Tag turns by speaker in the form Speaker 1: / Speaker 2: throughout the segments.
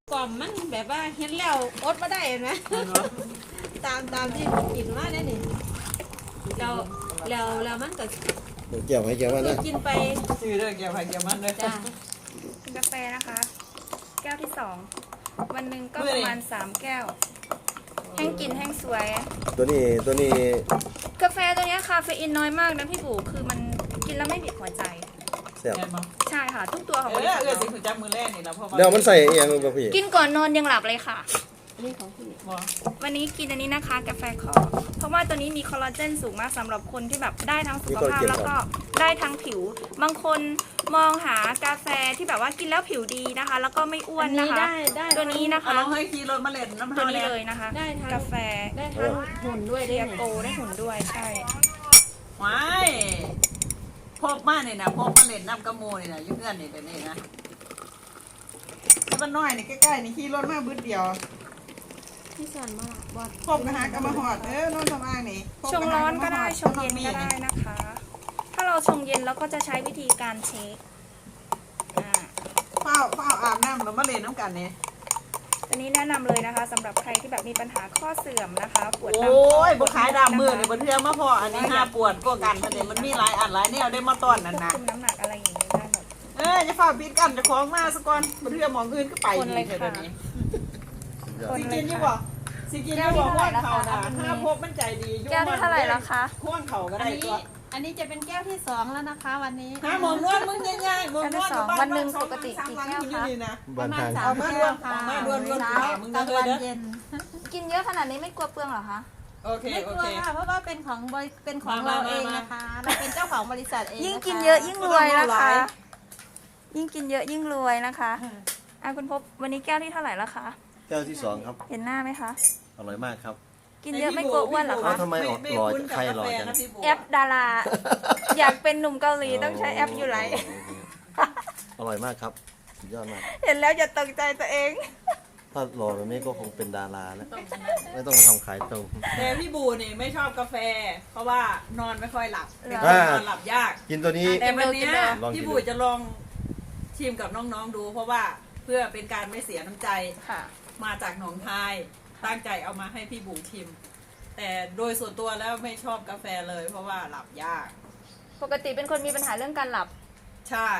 Speaker 1: กล่อมมันแบบว่าเห็นแล้วอดมาได้เห็นไหมตามที่กินมาได้นี่แล้วมันก็
Speaker 2: เกี่ยวไหมเกี่ยวมันนะ
Speaker 1: กินไป
Speaker 3: ซื้อเด้อเกี่ยวไผ่เกี่ยวมันเลย
Speaker 1: จ้ะ
Speaker 4: กาแฟนะคะ แก้วที่2วันหนึ่งก็ประมาณ3แก้วแห้งกินแห้งสวย
Speaker 2: ตัวนี้
Speaker 4: กาแฟตัวนี้คาเฟอีนน้อยมากนะพี่บูคือมันกินแล้วไม่บีบหัวใจ
Speaker 2: แซ่บ
Speaker 4: ใช่ค่ะทุกตัวของบริษัท
Speaker 3: สิถึงจับมือแรกนี่แล้วพอ
Speaker 2: เดี๋ยวมันใส่เองป่ะพี่
Speaker 4: กินก่อนนอนยังหลับเลยค่ะ
Speaker 1: นี่ของพี่
Speaker 4: วันนี้กินอันนี้นะคะกาแฟคอเพราะว่าตัวนี้มีคอลลาเจนสูงมากสำหรับคนที่แบบได้ทั้งสุขภาพแล้วก็ได้ทั้งผิวบางคนมองหากาแฟที่แบบว่ากินแล้วผิวดีนะคะแล้วก็ไม่อ้วนนะคะตัวนี้นะคะ
Speaker 3: เราให้คีโรมาเล่นน้ำ
Speaker 4: ตัวนี้เลยนะคะ
Speaker 1: ได้ทั้ง
Speaker 4: กาแฟ
Speaker 1: ได้ทั้งหุ่นด้วยได้
Speaker 4: โกได้หุ่นด้วยใช่
Speaker 3: ว้ายพบมาเนี่ยนะพบมาเล่นน้ำกระโมเนี่ยนะยุ่งเงื่อนนี่แบบนี้นะมันน้อยนี่ใกล้ๆนี่ขี่รถมาบึ้ดเดียว
Speaker 1: ที่สอนมาบอด
Speaker 3: พบนะฮะก็มาหอดนอนทำอ้างนี่
Speaker 4: ชงร้อนก็ได้ชงเย็นก็ได้นะคะถ้าเราชงเย็นเราก็จะใช้วิธีการเช็ค
Speaker 3: เฝ้าอาบน้ำเรามาเล่นน้ำกันเนี่ย
Speaker 4: อันนี้แนะนำเลยนะคะสำหรับใครที่แบบมีปัญหาข้อเสื่อมนะคะปวด
Speaker 3: โอ้ยบุขายดำมือเลยบนเทือมาพออันนี้5ปวดก็กันมันมีหลายอันหลายแนวได้มาต้อนนั่นนะ
Speaker 4: คุมน้ำหนักอะไรอย่างนี้ได้หมด
Speaker 3: จะฝ่าปิดกันจะคล้องมาสักก่อนบนเทือมองอื่นก็ไป
Speaker 4: คนเลยค่ะ
Speaker 3: สิกินยี่บ่สิกินยี่บ่ข้วงเข่านะถ้าพบมันใจดี
Speaker 4: แก้วที่เท่าไหร่แล้วคะ
Speaker 3: ข้วงเข่าก็ได้ตัว
Speaker 1: อันนี้จะเป็นแก้วที่2แล้วนะคะวันนี้
Speaker 3: หมอนวดมึงง่ายๆหมอนวด
Speaker 4: วันหนึ่งปกติกี่แก้วคะ
Speaker 1: ประมาณ3แก้วค่ะกลางวันเย็น
Speaker 4: กินเยอะขนาดนี้ไม่กลัวเปลืองหรอคะ
Speaker 1: ไม่กลัวค่ะเพราะว่าเป็นของเราเองนะคะเราเป็นเจ้าของบริษัทเอง
Speaker 4: ยิ่งกินเยอะยิ่งรวยนะคะยิ่งกินเยอะยิ่งรวยนะคะคุณพบวันนี้แก้วที่เท่าไหร่แล้วคะ
Speaker 2: แก้วที่2ครับ
Speaker 4: เห็นหน้าไหมคะ
Speaker 2: อร่อยมากครับ
Speaker 4: กินเยอะไม่กลัวอ้วนหรอคะ
Speaker 2: ทำไมออกหล่อใครหล่อจัง
Speaker 4: แอปดาราอยากเป็นหนุ่มเกาหลีต้องใช้แอปอยู่ไร
Speaker 2: อร่อยมากครับสุดยอดมาก
Speaker 4: เห็นแล้วอย่าตกใจตัวเอง
Speaker 2: ถ้าหล่อแบบนี้ก็คงเป็นดาราแล้วไม่ต้องมาทำขายตรง
Speaker 3: แต่พี่บูนี่ไม่ชอบกาแฟเพราะว่านอนไม่ค่อยหลับนอนหลับยาก
Speaker 2: กินตัวนี้
Speaker 3: แต่วันนี้พี่บูจะลองชิมกับน้องๆดูเพราะว่าเพื่อเป็นการไม่เสียน้ำใจมาจากหนองคายตั้งใจเอามาให้พี่บูชิมแต่โดยส่วนตัวแล้วไม่ชอบกาแฟเลยเพราะว่าหลับยาก
Speaker 4: ปกติเป็นคนมีปัญหาเรื่องการหลับ
Speaker 3: ใช่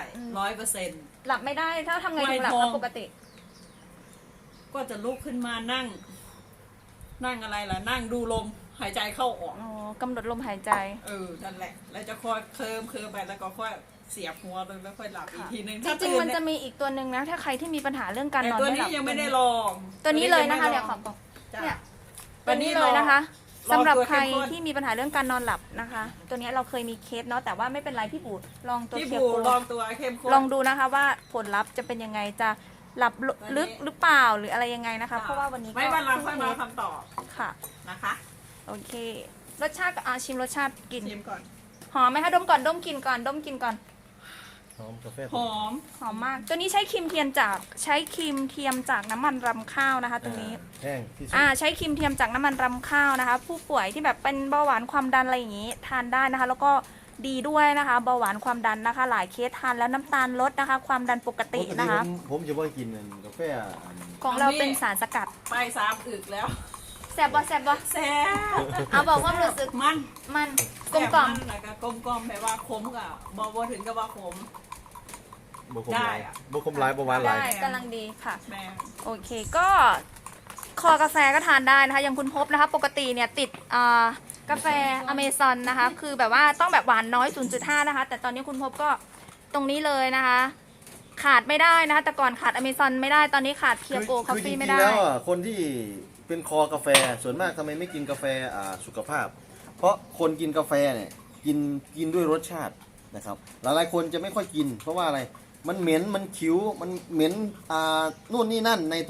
Speaker 3: 100%
Speaker 4: หลับไม่ได้ถ้าทำไงถึงหลับปกติ
Speaker 3: ก็จะลุกขึ้นมานั่งอะไรล่ะนั่งดูลมหายใจเข้าออก
Speaker 4: กำหนดลมหายใจ
Speaker 3: นั่นแหละแล้วจะค่อยเคลิ้มไปแล้วก็ค่อยเสียบหัวเลยแล้วค่อยหลับอีกทีนึง
Speaker 4: จริงๆมันจะมีอีกตัวหนึ่งนะถ้าใครที่มีปัญหาเรื่องการนอนไม่หลับ
Speaker 3: ตัวนี้ยังไม่ได้ลอง
Speaker 4: ตัวนี้เลยนะคะเดี๋ยวขอบอกเนี่ยตัวนี้เลยนะคะสำหรับใครที่มีปัญหาเรื่องการนอนหลับนะคะตัวนี้เราเคยมีเคสเนาะแต่ว่าไม่เป็นไรพี่บูลองตัว
Speaker 3: เคียวลองตัวเข้มข้น
Speaker 4: ลองดูนะคะว่าผลลัพธ์จะเป็นยังไงจะหลับลึกหรือเปล่าหรืออะไรยังไงนะคะเพราะว่าวันนี้
Speaker 3: ไม่วันเราค่อยมาคำตอบ
Speaker 4: ค่ะ
Speaker 3: นะคะ
Speaker 4: โอเครสชาติชิมรสชาติกิน
Speaker 3: ชิมก่อน
Speaker 4: หอมไหมคะดมก่อนดมกลิ่นก่อน
Speaker 2: หอมกาแฟ
Speaker 3: ห
Speaker 4: อมมากตัวนี้ใช้ครีมเทียมจากน้ำมันรำข้าวนะคะตรงนี้
Speaker 2: แห้งที่สุด
Speaker 4: ใช้ครีมเทียมจากน้ำมันรำข้าวนะคะผู้ป่วยที่แบบเป็นเบาหวานความดันอะไรอย่างนี้ทานได้นะคะแล้วก็ดีด้วยนะคะเบาหวานความดันนะคะหลายเคสทานแล้วน้ำตาลลดนะคะความดันปกตินะคะ
Speaker 2: ผมจะไม่กินกาแฟ
Speaker 4: ของเราเป็นสารสกัด
Speaker 3: ไป3 อึกแล้ว
Speaker 4: แซ่บบ่แซ่บเอาบอกว่ารู้สึกมันกลมกล่อม
Speaker 3: แปลว่าขมกับบ่ถึงกับว่าขม
Speaker 2: ได้บุคมไลฟ์ประมาณไร
Speaker 4: กำลังดีค่ะโอเคก็คอกาแฟก็ทานได้นะคะอย่างคุณพบนะคะปกติเนี่ยติดกาแฟอเมซอนนะคะคือแบบว่าต้องแบบหวานน้อย 0.5 นะคะแต่ตอนนี้คุณพบก็ตรงนี้เลยนะคะขาดไม่ได้นะคะแต่ก่อนขาดอเมซอนไม่ได้ตอนนี้ขาดเพียโกคอฟฟี่ไม่ได้
Speaker 2: แล้วคนที่เป็นคอกาแฟส่วนมากทำไมไม่กินกาแฟสุขภาพเพราะคนกินกาแฟเนี่ยกินด้วยรสชาตินะครับหลายๆคนจะไม่ค่อยกินเพราะว่าอะไรมันเหม็นมันคิ้วมันเหม็นนู่นนี่นั่นใน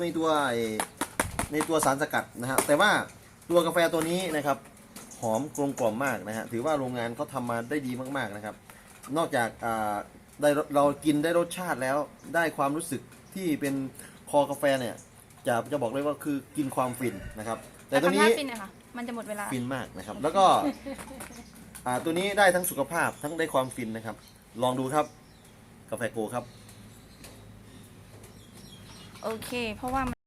Speaker 2: ตัวสารสกัดนะฮะแต่ว่าตัวกาแฟตัวนี้นะครับหอมกลมกล่อมมากนะฮะถือว่าโรงงานเขาทำมาได้ดีมากๆนะครับนอกจากเรากินได้รสชาติแล้วได้ความรู้สึกที่เป็นคอกาแฟเนี่ยจะบอกเลยว่าคือกินความฟินนะครับแต่ตัวนี้
Speaker 4: ฟินค่ะมันจะหมดเวลา
Speaker 2: ฟินมากนะครับแล้วก็ตัวนี้ได้ทั้งสุขภาพทั้งได้ความฟินนะครับลองดูครับกาแฟโกครับ
Speaker 4: โอเค เพราะว่า